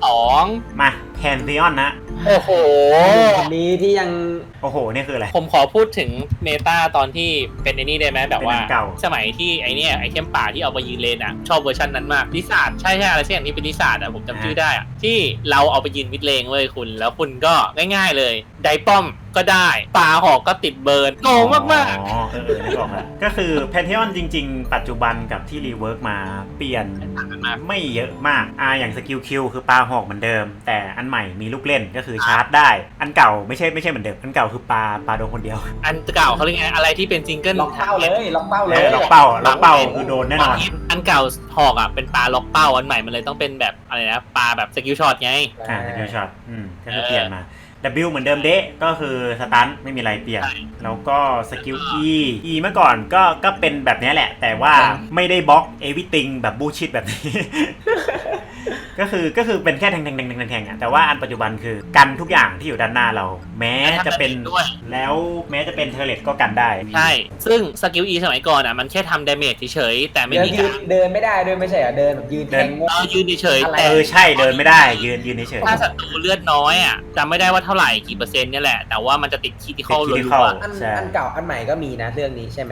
S2: 2
S1: มาแพนเทียนนะ
S2: โอ้โห
S3: คนนี้ที่ยัง
S1: โอ้โหนี่คืออะไร
S2: ผมขอพูดถึงเมตาตอนที่เป็นไอ้นี่ได้ไหมแบบว่า
S1: เป็นอันเก่า
S2: สมัยที่ไอเนี่ยไอเทมป่าที่เอาไปยืนเลนชอบเวอร์ชันนั้นมากลิซาร์ดใช่อะไรสักอย่างที่เป็นลิซาร์ดผมจำชื่อได้ที่เราเอาไปยืนมิดเลนเว้ยคุณแล้วคุณก็ง่ายๆเลยไดป้อมก็ได้ปลาหอกก็ติดเบิร์นโกงมากๆ
S1: อ๋อนึกออกแล้วก็คือแพนเทียนจริงๆปัจจุบันกับที่รีเวิร์กมาเปลี่ยนไม่เยอะมากอย่างสกิล Q คือปลาหอกเหมือนเดิมแต่อันใหม่มีลูกเล่นก็คือชาร์จได้อันเก่าไม่ใช่เหมือนเดิมอันเก่าคือปลาโดนคนเดียว
S2: อันเก่าเขาเรียกไงอะไรที่เป็นซิงเกิล
S3: ล็อกเป้าเลยล็อกเป้าเลย
S1: ล็อกเป้าคือโดนแน่นอน
S2: อันเก่าหอกเป็นปลาล็อกเป้าอันใหม่มันเลยต้องเป็นแบบอะไรนะปลาแบบสกิลช็อตไง
S1: สกิลช็อตก็คือเปลี่ยนมา W เหมือนเดิมเดะก็คือสตันไม่มีอะไรเปลี่ยนแล้วก็สกิล E เมื่อก่อนก็เป็นแบบนี้แหละ แต่ว่าไม่ได้บล็อกเอวิติงแบบบูชิดแบบนี้ ก็คือเป็นแค่แทงแต่ว่าอันปัจจุบันคือกันทุกอย่างที่อยู่ด้านหน้าเรา แม้จะเป็นแล้วแม้จะเป็นเทอร์เลตก็กันได้
S2: ใช่ซึ่งสกิล E สมัยก่อนมันแค่ทำดาเมจเฉยๆแต่ไม่มีการ
S3: เดินไม่ได้ด้วยไม่ใช่เหรอเดินแบบยืนแทง
S2: ยืนเฉยๆแต่
S1: ใช่เดินไม่ได้ยืนเฉย
S2: ถ้าศัตรูเลือดน้อยจำไม่ได้ว่าเท่าไหร่กี่เปอร์เซ็นต์เนี่ยแหละแต่ว่ามันจะติดคีย์ที่เข้าเลย
S3: อันเก่าอันใหม่ก็มีนะเรื่องนี้ใช่ไหม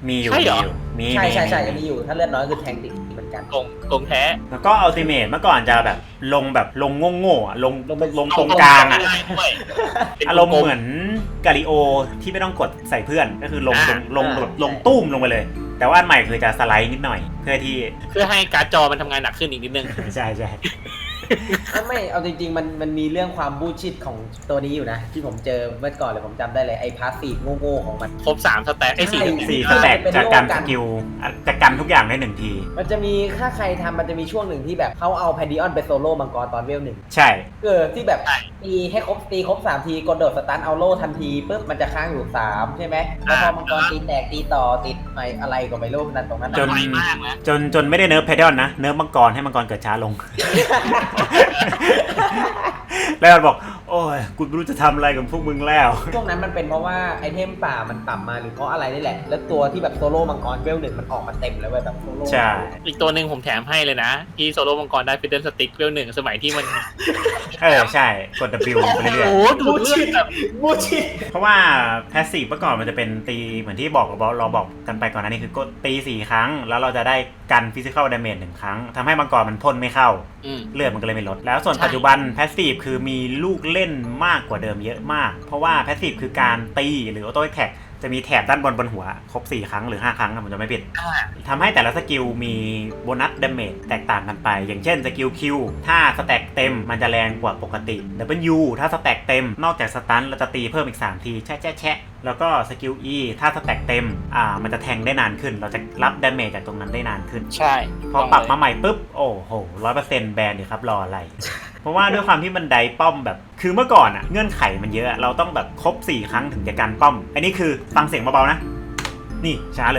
S1: มีอยู่
S2: ใช่เหรอ
S1: มี
S3: ใช่ยังมีอยู่ถ้าเลือดน้อยคือแทงติดเหมือนกัน
S2: โกงแท้
S1: แล้วก็อัลติเมทเมื่อก่อนจะแบบลงโง่ๆอะลงตรงกลางอ่ะ อารมณ์เหมือนกาลิโอที่ไม่ต้องกดใส่เพื่อนก็คือลงตุ้มลงไปเลย แต่ว่าอันใหม่คือจะสไลด์นิดหน่อยเพื่อ
S2: ให้การ์ดจอมันทำงานหนักขึ้นอีกนิดนึง
S1: ใช่
S3: ไม่เอาจริงๆมันมีเรื่องความบูชิดของตัวนี้อยู่นะ ที่ผมเจอเมื่อก่อนเลยผมจำได้เลยไอ้พาสซีฟโง่ๆของมัน
S2: ครบ3 สแต็กไอ้4
S1: 4 สแต็กจากการสกิลจะกันทุกอย่างได้1 ที
S3: มันจะมีถ้าใครทำมันจะมีช่วงหนึ่งที่แบบเขาเอาแพนดิออนไปโซโล่มังกรตอนเวล 1
S1: ใช่
S3: ที่แบบตีครบ3 ทีกดโดดสตันเอาโล่ทันทีปุ๊บมันจะค้างอยู่3ใช่ไหมแล้วพอมังกรตีแตกตีต่อติดอะไรก็ไม่รู้นั่นตรงนั้น
S1: จนไม่ได้เนิร์ฟเพดอนนะเนิร์ฟมังกรให้มังกรเกิดช้าลง แล้วมันบอกโอ้ยกูไม่รู้จะทำอะไรกับพวกมึงแล้ว
S3: ช่วงนั้นมันเป็นเพราะว่าไอเทมป่ามันต่ำมาหรือเพราะอะไรนี่แหละแล้วตัวที่แบบโซโล่มังกรเวล 1มันออกมาเต็มแล้วแบบโซโล่
S1: ใช่
S2: อีกตัวหนึ่งผมแถมให้เลยนะที่โซโล่มังกรได้ฟิดเดิลสติ๊กเวล 1สมัยที่มัน
S1: ใช่กด W ไปเรื่อย
S2: โอ้ดูเลือดแบบ
S3: บูชิ
S1: เพราะว่าแพสซีฟเมื่อก่อนมันจะเป็นตีเหมือนที่เราบอกกันไปก่อนหน้านี้คือกดตี4 ครั้งแล้วเราจะได้กันฟิสิคอลดาเมจ1 ครั้งทำให้มังกรมันพ่นไม่เข้าเลือดมันก็เลยไม่ลดแล้วส่วนปัจจุบันแพสซีฟคือมีลูกเล่นมากกว่าเดิมเยอะมากเพราะว่าแพสซีฟคือการตีหรือออโต้แท็กจะมีแถบด้านบนหัวครบ4 ครั้งหรือ5 ครั้งผมจะไม่ผิดทำให้แต่ละสกิลมีโบนัสดาเมจแตกต่างกันไปอย่างเช่นสกิล Q ถ้าสแต็กเต็มมันจะแรงกว่าปกติ W ถ้าสแต็กเต็มนอกจากสตันเราจะตีเพิ่มอีก3 ทีแชะแล้วก็สกิล E ถ้าสแต็กเต็มมันจะแทงได้นานขึ้นเราจะรับดาเมจจากตรงนั้นได้นานขึ้น
S2: ใช่
S1: พอปรับมาใหม่ปุ๊บโอ้โห 100% แบนดิครับรออะไร เพราะว่าด้วยความที่มันไดป้อมแบบคือเมื่อก่อนอะเงื่อนไขมันเยอะเราต้องแบบครบ4 ครั้งถึงจะกันป้อมอันนี้คือฟังเสียงเบาๆนะนี่ช้าเลย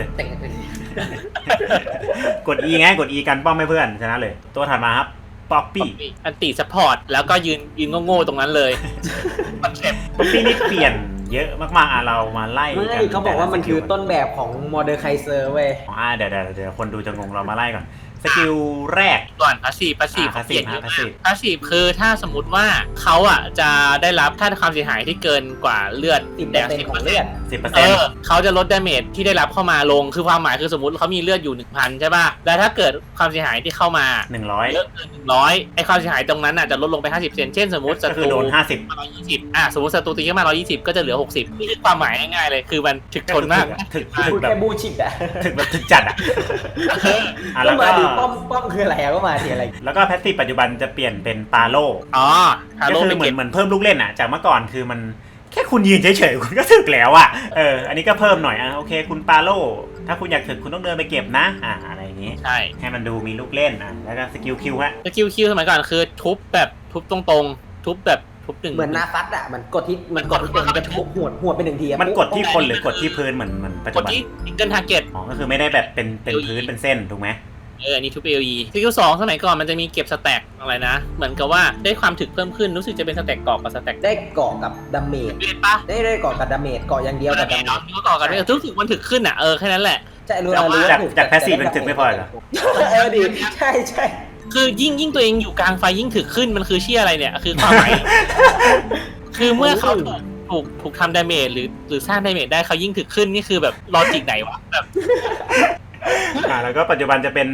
S1: กด E ไงกด E กันป้อมให้เพื่อนชนะเลยตัวถัดมาครับป๊อปปี้
S2: อันติซัพพอร์ตแล้วก็ยืนโง่ๆตรงนั้นเลย
S1: ป๊อปปี้นี่เปลี่ยนเยอะมากๆเรามาไล่
S3: กันเขาบอกว่ามันคือต้นแบบของโมเดอร์ไคเซอร์เว้ย
S1: เดี๋ยวคนดูจะงงเรามาไล่ก่อนสกิลแรก
S2: ก่อนพาสซีฟพาสซีฟคือถ้าสมมติว่าเขาจะได้รับค่าความเสียหายที่เกินกว่าเลือด
S3: แดก10%ของเลือด
S2: 10%เขาจะลดดาเมจที่ได้รับเข้ามาลงคือความหมายคือสมมติเขามีเลือดอยู่ 1,000 ใช่ป่ะแล้วถ้าเกิดความเสียหายที่เข้ามา
S1: 100
S2: เยอะเกิน100ไอ้ความเสียหายตรงนั้นจะลดลงไป 50% เช่นสมมติศัตรู
S1: โดน
S2: 120สมมติศัตรูตีขึ้นมา120ก็จะเหลือ60นี่คือความหมายง่ายๆเลยคือมันถึกทนมาก
S1: ถึก
S3: แบบบูชิด
S1: ถึกแบบถึกจัด
S3: แล้วก็ป้อมคืออะไรก็มาทีอะไร
S1: แล้วก็แพสซีฟปัจจุบันจะเปลี่ยนเป็นปาโลก็คือเหมือนเพิ่มลูกเล่นจากเมื่อก่อนคือมันแค่คุณยืนเฉยๆคุณก็ถึกแล้วอันนี้ก็เพิ่มหน่อยโอเคคุณปาโลถ้าคุณอยากถึกคุณต้องเดินไปเก็บนะอะไรอย่างนี้
S2: ใช่
S1: ให้มันดูมีลูกเล่นแล้วก็สกิลคิว
S2: สกิลคิวสมัยก่อนคือทุบตรงๆทุบแบบทุบหนึ่ง
S3: เหมือนนาซัดมันกดที่มันจะทุบหัวไป1 ที
S1: มันกดที่คนหรือกดที่พื้นเหมือนปัจจุบัน
S2: กดที่ซิงเกิลทาร์เก็ต
S1: ก็คือไม่ได้แบบเป็นพื้นเป็นเส้นถูกไหม
S2: อันนี้ทุบ AOE สกิล2สมัยก่อนมันจะมีเก็บสแต็กอะไรนะเหมือนกับว่าได้ความถึกเพิ่มขึ้นรู้สึกจะเป็นสแต็กเกาะกับสแต็ก
S3: ได้เกาะกับดาเมจ
S2: ป่ะ
S3: ได้เกาะกับดาเมจเกาะอย่างเดียวกับดาเมจ
S2: เกาะกันไม่รู้สึกมันถึกขึ้นแค่นั้นแหละ
S3: ใช่รู้
S1: จากแพสซีฟมันถึกไม่พอเหรอ
S3: ดีใช่
S2: คือยิ่งตัวเองอยู่กลางไฟยิ่งถึกขึ้นมันคือเชี่ยอะไรเนี่ยคือความหมายคือเมื่อเขาถูกทำดาเมจหรือสร้างดาเมจได้เขายิ่งถึกขึ้นนี่คือแบบลอจิกไหนวะแบบ
S1: แล้วก็ปัจจุบันจะเป็น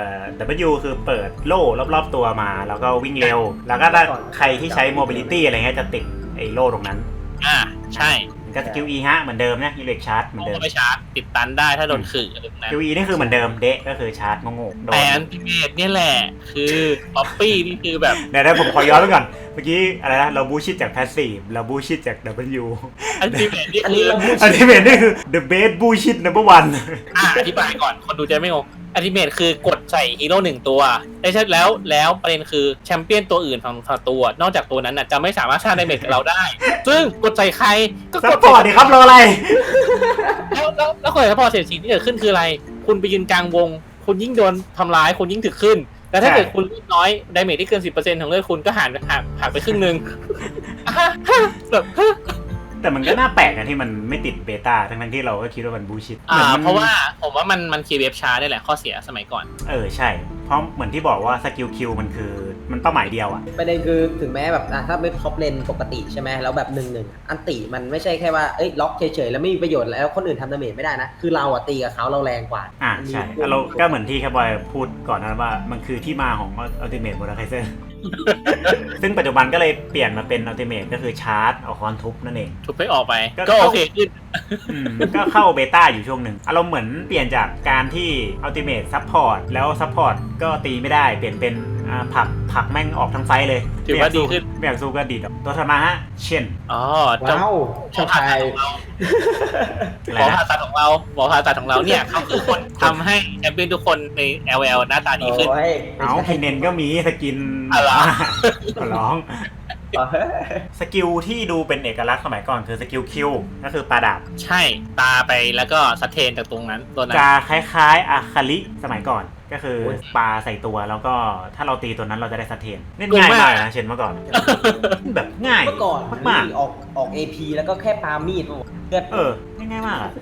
S1: W คือเปิดโล่รอบๆตัวมาแล้วก็วิ่งเร็วแล้วก็ถ้าใครที่ใช้ mobility อะไรเงี้ยจะติดไอ้โล่ตรงนั้น
S2: ใช่
S1: ก็สกิล E เหมือนเดิมนะอิเล็กชาร์จเหมือนเดิม
S2: ไม่ชาร์จติดตันได้ถ้าโดนขื่ออะไรแบบนั้น
S1: สกิล E นี่คือเหมือนเดิมเดะก็คือชาร์จงง
S2: แต่อันติเมทเนี่ยแหละคือป๊อปปี้นี่คือแบบ
S1: เดี๋ยวผมขอย้อนไปก่อนเมื่อกี้อะไรนะเราบูชิดจากแพสซีฟเราบูชิดจาก W
S2: อันติเมทนี่
S1: คือ the best bullshit number 1
S2: อธิบายก่อนคนดูจะไม่งงอัลติเมทคือกดใส่ฮีโร่1ตัวได้ใช่แล้วประเด็นคือแชมเปี้ยนตัวอื่นของตัวนอกจากตัวนั้นจะไม่สามารถสร้างดาเมจกับเราได้ซึ่งกดใส่ใครก็
S1: กดพอดีครับรออะไร
S2: แล้วกดซัพพอร์ตเสร็จสิ่งที่เกิดขึ้นคืออะไรคุณไปยืนกลางวงคุณยิ่งโดนทำร้ายคุณยิ่งถึกขึ้นแล้วถ้าเกิดคุณเลือดน้อยดาเมจที่เกิน 10% ของเลือดคุณก็หักไปครึ่งนึงแบบ
S1: แต่มันก็น่าแปลกนะที่มันไม่ติดเบต้าทั้งที่เราก็คิดว่ามันบูชิต
S2: เพราะว่าผมว่ามันคีย์เวฟช้าได้แหละข้อเสียสมัยก่อน
S1: ใช่เพราะเหมือนที่บอกว่าสกิลคิวมันคือมันเป้าหมายเดียวอะ
S3: ประเด็นคือถึงแม้แบบถ้าไม่ท็อปเลนปกติใช่ไหมแล้วแบบ1-1อันติมันไม่ใช่แค่ว่าล็อกเฉยๆแล้วไม่มีประโยชน์แล้วคนอื่นทำดาเมจไม่ได้นะคือเราอะตีกับเขาเราแรงกว่า
S1: ใช่เราก็เหมือนที่แคบอยพูดก่อนนั้นว่ามันคือที่มาของอัลติเมทโมนาไคเซอร์ ซึ่งปัจจุบันก็เลยเปลี่ยนมาเป็นอัลติเมทก็คือชาร์จเอาคอนทุบนั่นเอง
S2: ทุบไปออกไปก็โอเคขึ้น
S1: ก็เข้าเบต้าอยู่ช่วงหนึ่งอารมณ์เหมือนเปลี่ยนจากการที่อัลติเมทซัพพอร์ตแล้วซัพพอร์ตก็ตีไม่ได้เปลี่ยนเป็นผักแม่งออกทั้งไฟเลย
S2: ถือว่าดีขึ้น
S1: ไม่อยากสู้ก็ดีดตัวธรรมะฮะเช่น
S3: ว้าวชอบใคร
S2: หมอผ่าตัดของเราเนี่ยเขาคือคนทำให้แชมเปี้ยนทุกคนใน LL หน้าตาดีขึ้น
S1: เอาไฮเนนก็มีสกิน
S2: อะไร
S1: ขอร้องสกิลที่ดูเป็นเอกลักษณ์สมัยก่อนคือสกิลคิวก็คือปาดาบ
S2: ใช่ตาไปแล้วก็สะเทนจากตรงนั้นตัวนั้น
S1: จะคล้ายๆอาคาลิสมัยก่อนก็คือปาใส่ตัวแล้วก็ถ้าเราตีตัวนั้นเราจะได้สะเทนเล่นง่ายมากนะเช่นเมื่อก่อน แบบง่าย
S3: เมื่อก่อน
S1: มาก
S3: ออก AP แล้วก็แค่ปามีดเลือด
S1: ง่ายมากอะ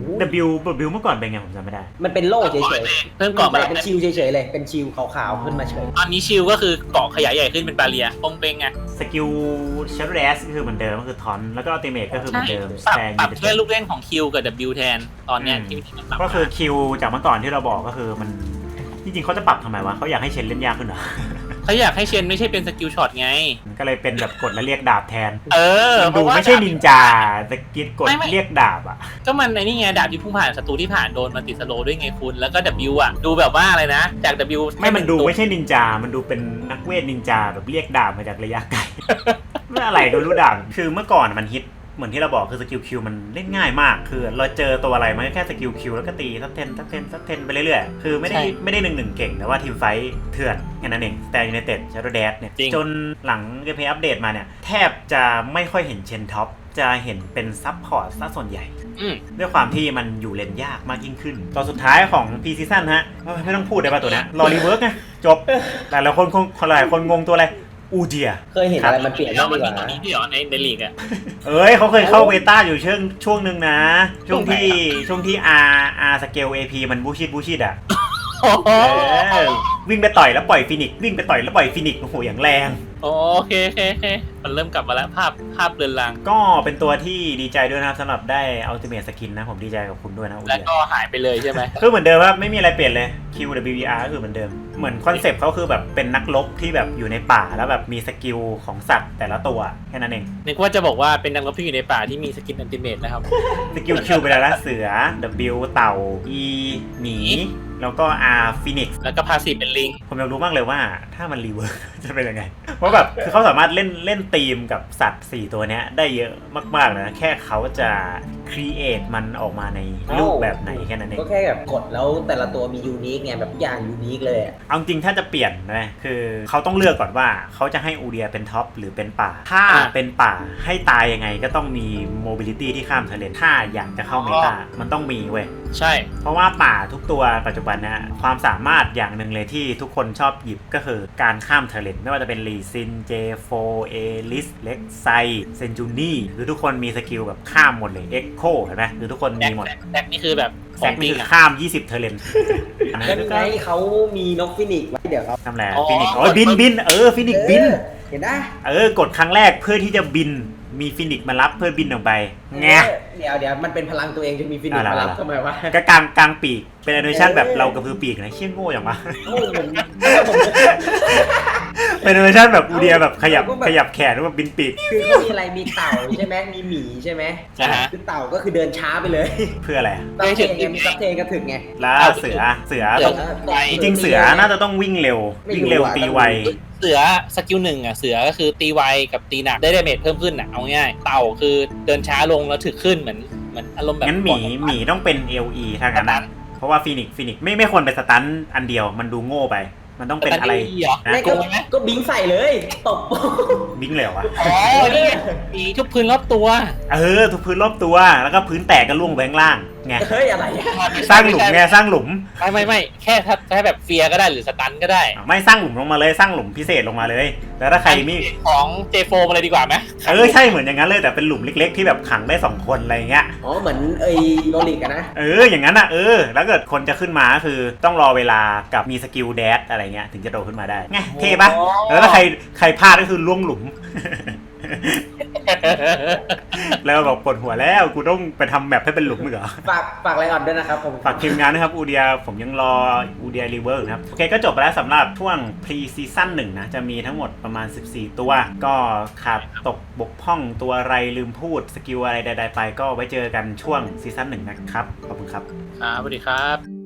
S1: W เมื่อก่อนเป็นไงผมจำไม่ได้
S3: มันเป็นโล่เฉย
S2: เพิ่มเกาะมา
S3: เป็นชิลเฉยๆเลยเป็นชิลขาวๆขึ้นมาเฉย
S2: ตอนนี้ชิลก็คือเกาะขยายใหญ่ขึ้นเป็นบาเรียปงเปงไง
S1: สกิลเชฟเรสก็คือเหมือนเดิมก็คือทอนแล้วก็อัลติเมทก็คือเหมือนเดิม
S2: ปรับแค่ลูกเล่นของคิวกับ W แทนตอนเนี้ยที่มันปรับ
S1: ก็คือคิวจากเมื่อก่อนที่เราบอกก็คือมันจริงๆเขาจะปรับทำไมวะเขาอยากให้เชนเล่นยากขึ้นเหรอ
S2: เขาอยากให้เชนไม่ใช่เป็นสกิลช็อตไง
S1: ก็เลยเป็นแบบกดแล้วเรียกดาบแทน
S2: เพ
S1: ดู
S2: ราะว่า
S1: ไม่ใช่นินจาสกิลกดเรียกดาบอ่ะ
S2: ก็มันไอ้นี่ไงดาบที่พุ่งผ่านศัตรูที่ผ่านโดนมันติดสโลว์ด้วยไงคุณแล้วก็ W อ่ะดูแบบว่าอะไรนะจาก W
S1: มันดูไม่ใช่นินจามันดูเป็นนักเวทนินจาแบบเรียกดาบมาจากระยะไกล ไม่อะไรก็รู้ดาบคือเมื่อก่อนมันฮิตเหมือนที่เราบอกคือสกิลคิวมันเล่นง่ายมากคือเราเจอตัวอะไรมันก็แค่สกิลคิวแล้วก็ตีซับเทนไปเรื่อยๆคือไม่ได้หนึ่งเก่งแต่ว่าทีมไฟท์เถื่อนแค่นั้นเองแต่ยูไนเต็ดชาร์โดแดดเนี่ยจนหลังเกมเพลย์อัปเดตมาเนี่ยแทบจะไม่ค่อยเห็นเชนท็อปจะเห็นเป็นซับพอร์ตซะส่วนใหญ่ด้วยความที่มันอยู่เลนยากมากยิ่งขึ้นตอนสุดท้ายของ P Season ฮะไม่ต้องพูดได้ป่ะตัวนี้รอรีเวิร์กไงจบแต่ละคนหลายคนงงตัวอะไรอูเดีย
S3: เคยเห็นอะไรมันเปลี่ยน
S2: แล้
S3: บ้าว ง
S2: มัน
S3: ดีก
S2: มี
S3: ว่า
S2: ตัวนี้ที่หรอในลีกอ่ะ
S1: เขาเคยเข้าเบต้าอยู่ช่วงหนึ่งนะช่วงที่ R สเกล AP มันบูชิดอ่ะวิ่งไปต่อยแล้วปล่อยฟินิกวิ่งไปต่อยแล้วปล่อยฟินิกโอ้โหอย่างแรง
S2: โอเคมันเริ่มกลับมาแล้วภาพเรือนราง
S1: ก็เป็นตัวที่ดีใจด้วยนะครับสำหรับได้อัลติเมทสกินนะผมดีใจกับคุณด้วยนะ
S2: แล้วก็หายไปเลยใช่ไหม
S1: คือเหมือนเดิมว่าไม่มีอะไรเปลี่ยนเลย QWER ก็คือเหมือนเดิมเหมือนคอนเซปต์เขาคือแบบเป็นนักรบที่แบบอยู่ในป่าแล้วแบบมีสกิลของสัตว์แต่ละตัวแค่นั้นเอง
S2: นึกว่าจะบอกว่าเป็นนักรบที่อยู่ในป่าที่มีสกินอัลติเมทนะครับ
S1: สกิล Q ไปแล้วนะเสือ W เต่า E หมีแล้วก็ R Phoenix
S2: แล้วก็พาสซีฟเป็นลิง
S1: ผมอยากรู้มากเลยว่าถ้ามันรีเวิร์สจะเป็นยังไงเพราะแบบคือเขาสามารถเล่นธีมกับสัตว์4ตัวเนี้ยได้เยอะมากๆนะแค่เขาจะครีเอทมันออกมาในรูปแบบไหนแค่นั้นเอง
S3: ก็แค่แบบกดแล้วแต่ละตัวมียูนิคไงแบบอย่างยูนิคเลย
S1: เอาจริงถ้าจะเปลี่ยนนะคือเขาต้องเลือกก่อนว่าเขาจะให้อูเดียเป็นท็อปหรือเป็นป่าถ้าเป็นป่าให้ตายยังไงก็ต้องมีโมบิลิตี้ที่ข้ามทะเลถ้าอยากจะเข้าเมตามันต้องมีเว้ย
S2: ใช่
S1: เพราะว่าป่าทุกตัวปัจจุบันนะความสามารถอย่างหนึ่งเลยที่ทุกคนชอบหยิบก็คือการข้ามเทเลนไม่ว่าจะเป็นลีซินเจโฟเอลิสเล็กไซเซนจูนี่คือทุกคนมีสกิลแบบข้ามหมดเลยเอ็กโคเห็นไหมคือทุกคนมีหมด
S2: แซกนี่คือแบบ
S1: แซกนี่ข้าม20เทเลน
S3: แล้วไงเขามีนกฟินิกไว้เดี๋ยวเขา
S1: ทำอะไรฟินิกบินฟินิกบิน
S3: เห็นได้
S1: กดครั้งแรกเพื่อที่จะบินมีฟินิกมารับเพื่อบินออกไปไง
S3: เดี๋ยวมันเป็นพลังตัวเองจะมีฟินิกมารับทำไมวะ
S1: ก็กลางปีกเป็นแอนิเมชั่นแบบเรากระพือปีกนะเชี่ยโง่อย่างวะเป็นแอนิเมชั่นแบบอูเดียแบบขยับแขนแล้วแบบบินปีก
S3: คือเขามีอะไรมีเต่าใช่ไหมมีหมีใช่ไหมคือเต่าก็คือเดินช้าไปเลย
S1: เพื่ออะไร
S3: ไม่ถึงมีซับเทกระถึงไง
S1: แล้วเสือจริงเสือน่าจะต้องวิ่งเร็วตีไว
S2: เสือสกิลหนึ่งอ่ะเสือก็คือตีไวกับตีหนักได้ดาเมจเพิ่มขึ้นอ่ะเอาง่ายเต่าคือเดินช้าลงแล้วถึกขึ้นเหมือนอารมณ์แบบ
S1: งั้นหมีต้องเป็น LE ทางนั้นเพราะว่าฟินิกไม่ควรเป็นสตันอันเดียวมันดูโง่ไปมันต้องเป็นอะไร
S3: ก็บิงใส่เลยตบ
S1: บิงเลยวะ
S2: อ๋อนี่มีทุบพื้นรอบตัว
S1: ทุบพื้นรอบตัวแล้วก็พื้นแตกก็ล่วงไปข้างล่างไง
S3: เฮ้ยอะไรอะ
S1: สร้างหลุมไงสร้างหลุม
S2: ไม่แค่ถ้าแบบเฟียร์ก็ได้หรือสตันก็ได้
S1: ไม่สร้างหลุมลงมาเลยสร้างหลุมพิเศษลงมาเลย แล้วถ้าใครมี
S2: ของ J4 มาเลยดีกว่าไหม
S1: ใช่เหมือนอย่างนั้นเลยแต่เป็นหลุมเล็กๆที่แบบขังได้2คนอะไรเงี้ย
S3: อ๋อเหมือนโรลิกอะนะ
S1: อย่างนั้นอะแล้วเกิดคนจะขึ้นมาก็คือต้องรอเวลากับมีสกิลแดดอะไรเงี้ยถึงจะโดดขึ้นมาได้ไงเท่ปะแล้วถ้าใครพลาดก็คือล่วงหลุม แล้วบอกปวดหัวแล้วกูต้องไปทำแมปให้เป็นหลุมอีกเหรอ
S3: ฝากอะไรอ่อนด้วยนะครับผม
S1: ฝากทีมงานนะครับอูเดียผมยังรออูเดียรีเวิร์กนะครับโอเคก็จบไปแล้วสำหรับช่วงพรีซีซั่น1นะจะมีทั้งหมดประมาณ14ตัวก็ขาดตกบกพร่องตัวอะไรลืมพูดสกิลอะไรใดๆไปก็ไว้เจอกันช่วงซีซั่น1นะครับขอบคุณครับ
S2: ครับสวัสดีครับ